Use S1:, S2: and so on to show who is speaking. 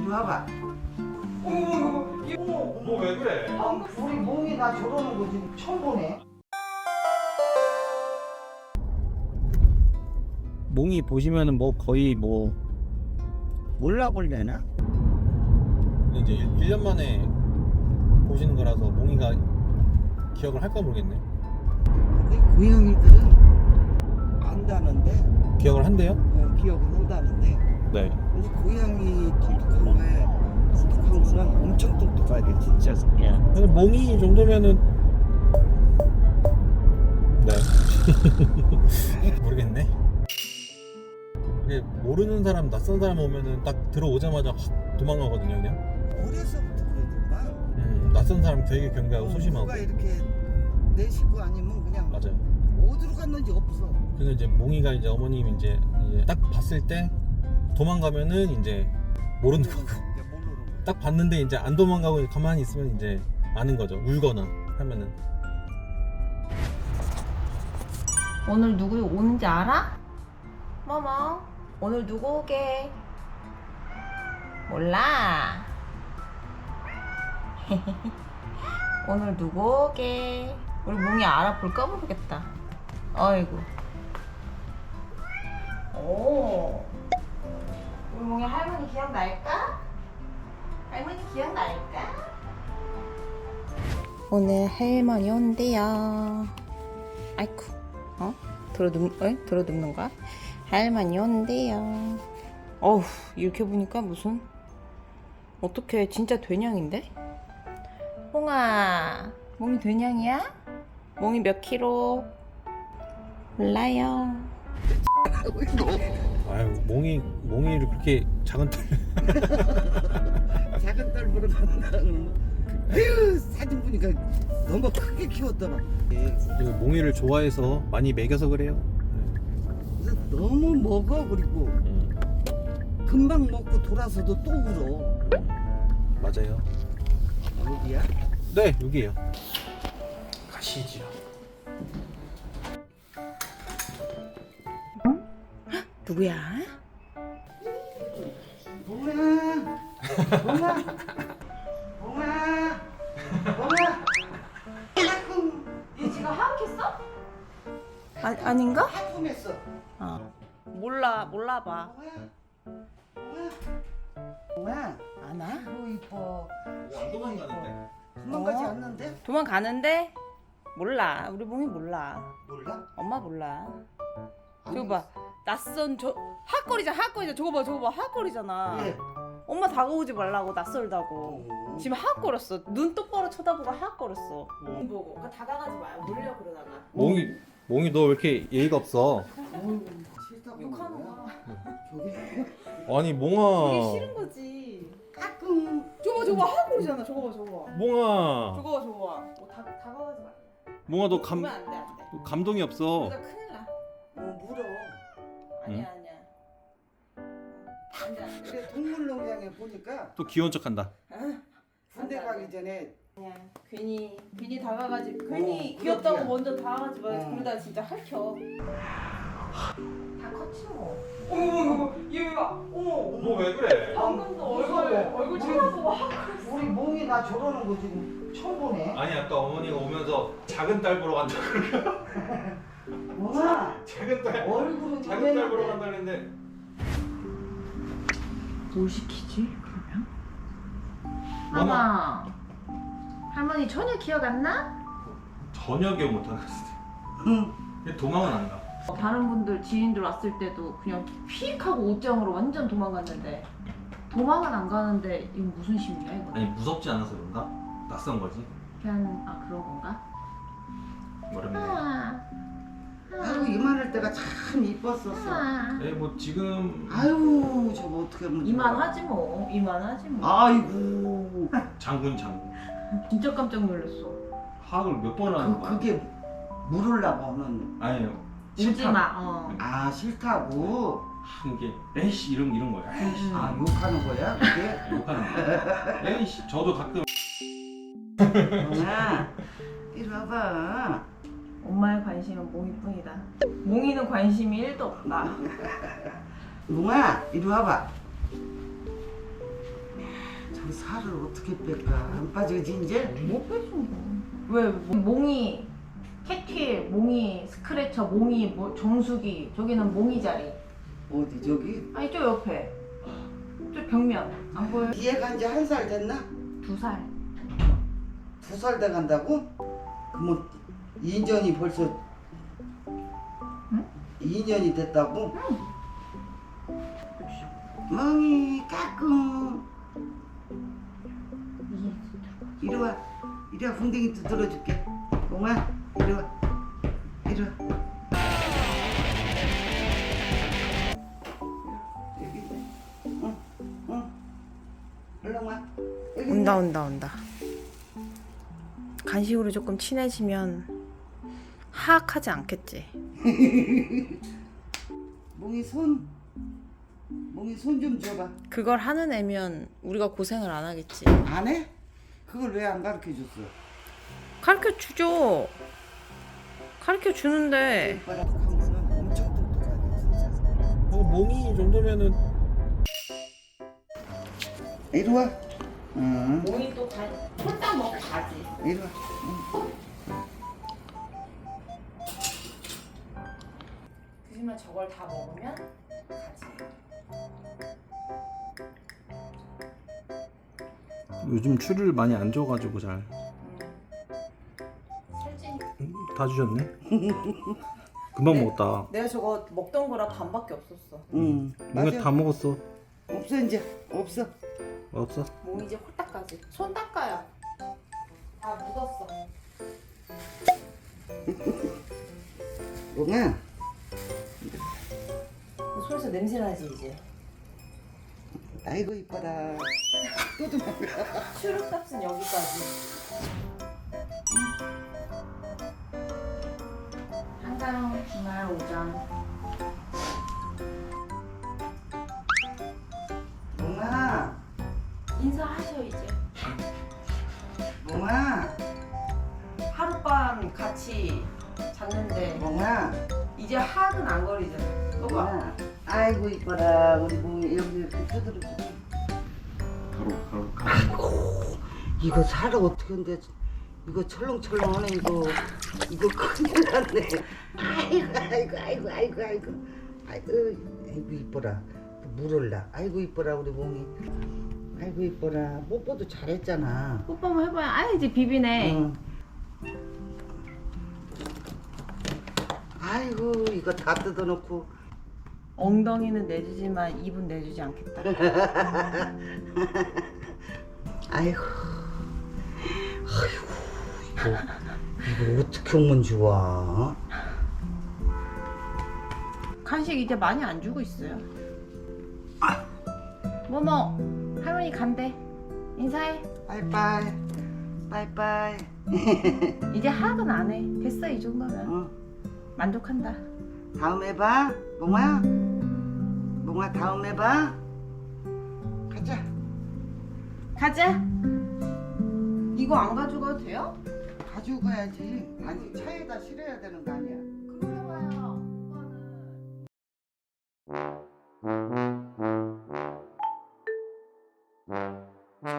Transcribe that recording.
S1: 이리 와봐.
S2: 너 왜 그래?
S1: 우리 몽이 나 저러는 거 지금 처음 보네.
S3: 몽이 보시면은 뭐 거의 뭐 몰라볼래나?
S2: 근데 이제 1년 만에 보시는 거라서 몽이가 기억을 할까 모르겠네.
S1: 근데 고양이들은 안다는데,
S2: 기억을 한대요?
S1: 기억을 한다는데,
S2: 네.
S1: 근데 고양이 똑똑한 거에 똑똑한 거는 엄청 똑똑하게 진짜.
S2: 근데 몽이 정도면은 네. 모르겠네. 이게 모르는 사람, 낯선 사람 오면은 딱 들어오자마자 확 도망가거든요, 그냥.
S1: 어려서부터 그러더구만.
S2: 낯선 사람 되게 경계하고 소심하고.
S1: 누가 이렇게 내 식구 아니면 그냥
S2: 맞아요.
S1: 어디로 갔는지 없어.
S2: 그래서 이제 몽이가 이제 어머님 이제 딱 봤을 때 도망가면은 이제 모르는 거고.
S1: 이제 모르는 거야.
S2: 딱 봤는데 이제 안 도망가고 가만히 있으면 이제 아는 거죠. 울거나 하면은.
S4: 오늘 누구 오는지 알아? 뭐뭐? 오늘 누구 오게? 몰라. 오늘 누구 오게? 우리 몽이 알아볼까 모르겠다. 어이구. 오. 우리 몽이 할머니 기억날까? 할머니 기억날까? 오늘 할머니 온대요. 아이쿠. 들어눕는 거야? 할머니 온대요. 어우, 이렇게 보니까 무슨 어떻게 진짜 된양인데? 몽아, 몽이 된양이야? 몽이 몇 킬로? 몰라요.
S2: 아유, 몽이를 그렇게 작은 딸.
S1: 작은 딸 보러 간다. 아유, 사진 보니까 너무 크게 키웠더만.
S2: 이거 몽이를 좋아해서 많이 먹여서 그래요.
S1: 그래서 너무 먹어. 그리고 금방 먹고 돌아서도 또 울어.
S2: 맞아요.
S1: 어디야?
S2: 네, 여기에요. 가시죠.
S4: 누구야?
S1: 몽아, 몽아, 몽아, 몽아. 아이고,
S4: 얘 지금 하악했어? 아닌가?
S1: 하품했어.
S4: 몰라봐.
S1: 몽아,
S4: 안 와?
S1: 아이고 이뻐.
S2: 안 도망가는데?
S1: 도망가지 않는데?
S4: 도망가는데? 몰라. 우리 몽이 몰라.
S1: 몰라?
S4: 엄마 몰라.
S1: 아니,
S4: 저거 봐. 낯선 핫거리잖아. 저거 봐. 핫거리잖아.
S1: 예.
S4: 엄마 다가오지 말라고 낯설다고. 지금 핫거렸어. 눈 똑바로 쳐다보고 핫거렸어. 보고. 다가가지 마요. 물려 그러다가.
S2: 몽이 너 왜 이렇게 예의가 없어?
S1: 싫다고.
S4: 욕하는
S1: 거야?
S4: 거야.
S1: 저기
S2: 아니 몽아.
S4: 그게 싫은 거지.
S1: 가끔
S4: 저거 핫거리잖아. 저거 봐.
S2: 몽아.
S4: 저거 봐. 뭐 다가가지 마.
S2: 몽아 너
S4: 보면 안 돼.
S2: 너 감동이 없어.
S4: 그러다 큰일 나.
S1: 물어.
S4: 아니야. 안 돼.
S1: 근데 동물농장에 보니까
S2: 또 귀여운 척한다.
S1: 군대 가기 전에
S4: 그냥 괜히 다가가지. 괜히 귀엽다고 먼저 다가가지 마. 그러다 진짜 핥혀. 다 컸지 뭐. 어머 얘가 어머.
S2: 너 왜 그래?
S4: 방금도 얼굴 쳐다보고
S1: 우리 몽이 나 저러는 거 지금 처음 보네.
S2: 아니 아까 어머니가 오면서 작은 딸 보러 간다.
S1: 몽아,
S2: 작은 딸
S1: 얼굴은
S2: 작은 딸 보러
S1: 저랬는데.
S2: 간다는데.
S4: 뭘 시키지 그러면? 엄마. 할머니 전혀 기억 안 나?
S2: 전혀 기억 못 하는 것 같아.
S1: 응.
S2: 도망은 안 가.
S4: 다른 분들 지인들 왔을 때도 그냥 픽 하고 옷장으로 완전 도망갔는데 도망은 안 가는데 이건 무슨 심리야 이거?
S2: 아니 무섭지 않아서 그런가? 낯선 거지.
S4: 그냥 그런 건가?
S2: 모르겠네.
S1: 아이고 이만할 때가 참 이뻤었어.
S2: 뭐 지금
S1: 아유 저거 어떻게 하면 좋아.
S4: 이만하지 뭐.
S1: 아이고
S2: 장군.
S4: 진짜 깜짝 놀랐어.
S2: 하악을 몇 번 하는 거야?
S1: 그게 물으려고 하는.
S2: 아니요.
S4: 울지 마.
S1: 아 싫다고.
S2: 이게 에이씨 이런 거야. 에이씨.
S1: 아 욕하는 거야 그게.
S2: 욕하는 거야. 에이씨 저도 가끔.
S1: 몽아 이리 와봐.
S4: 엄마의 관심은 몽이뿐이다. 몽이는 관심이 1도 없다.
S1: 몽아 이리 와봐. 그 살을 어떻게 뺄까? 안 빠지지 이제?
S4: 못 빼줘. 왜 몽이 캣휠, 몽이 스크래처, 몽이 뭐 정수기, 저기는 몽이 자리.
S1: 어디 저기?
S4: 아니 저 옆에. 저 벽면 안 보여?
S1: 얘가 이제 1살 됐나?
S4: 2살.
S1: 2살 돼 간다고? 그러면 2년이 벌써
S4: 응?
S1: 2년이 됐다고? 멍이 까꿍 이리 와 이리 와 궁뎅이 두드려줄게 멍아 이리 와 이리 와 여기 있네 응 얼른 와 여기 있네.
S4: 온다. 간식으로 조금 친해지면 하악하지 않겠지.
S1: 멍이 손 좀 줘봐
S4: 그걸 하는 애면 우리가 고생을 안 하겠지.
S1: 안 해? 그걸 왜 안 가르쳐 줬어?
S4: 가르쳐 주죠. 가르쳐 주는데
S1: 오빠랑 한 거는 엄청 똑똑하네 진짜
S2: 몽이 정도면은
S1: 이리 와 응.
S4: 몽이 또 홀딱 먹고 가지.
S1: 이리 와
S4: 그지만 저걸 다 먹으면 가지.
S2: 요즘 추를 많이 안 줘가지고 잘.
S4: 살찐.
S2: 다 주셨네. 금방 먹었다.
S4: 내가 저거 먹던 거랑 반밖에 없었어.
S1: 응
S2: 몽이 다 먹었어.
S1: 없어 이제 없어
S2: 없어?
S4: 몽이 이제 홀딱 가지. 손 닦아요. 다 묻었어.
S1: 멍아
S4: 손에서 냄새 나지 이제.
S1: 아이고 이뻐라 또 도망가
S4: 추룩값은 여기까지. 한강 주말 오전.
S1: 멍아
S4: 인사하셔 이제.
S1: 멍아
S4: 하룻밤 같이 잤는데
S1: 멍아
S4: 이제 하악은 안 거리잖아. 봐봐.
S1: 멍아 아이고 이뻐라 우리 멍이 여기 이렇게 두드려주고
S2: 가로.
S1: 이거 살을 어떻게 한대 이거 철렁철렁하네 이거 큰일 났네 아이고 이뻐라 물을라 아이고 이뻐라 우리 몽이 아이고 이뻐라 뽀뽀도 잘했잖아
S4: 뽀뽀 한번 해봐요. 아 이제 비비네.
S1: 응. 아이고 이거 다 뜯어놓고
S4: 엉덩이는 내주지만 입은 내주지 않겠다.
S1: 아이고 이거 어떻게 오면 좋아
S4: 간식 이제 많이 안 주고 있어요. 뭐뭐 할머니 간대. 인사해.
S1: 빠이빠이 빠이빠이
S4: 이제 하악은 안 해. 됐어 이 정도면.
S1: 응.
S4: 만족한다.
S1: 다음에 봐 몽아 다음에 봐
S4: 가자. 이거 안 가져가도 돼요?
S1: 가지고 가야지 아니 차에다 실어야 되는 거 아니야
S4: 그러려봐요. 오빠는.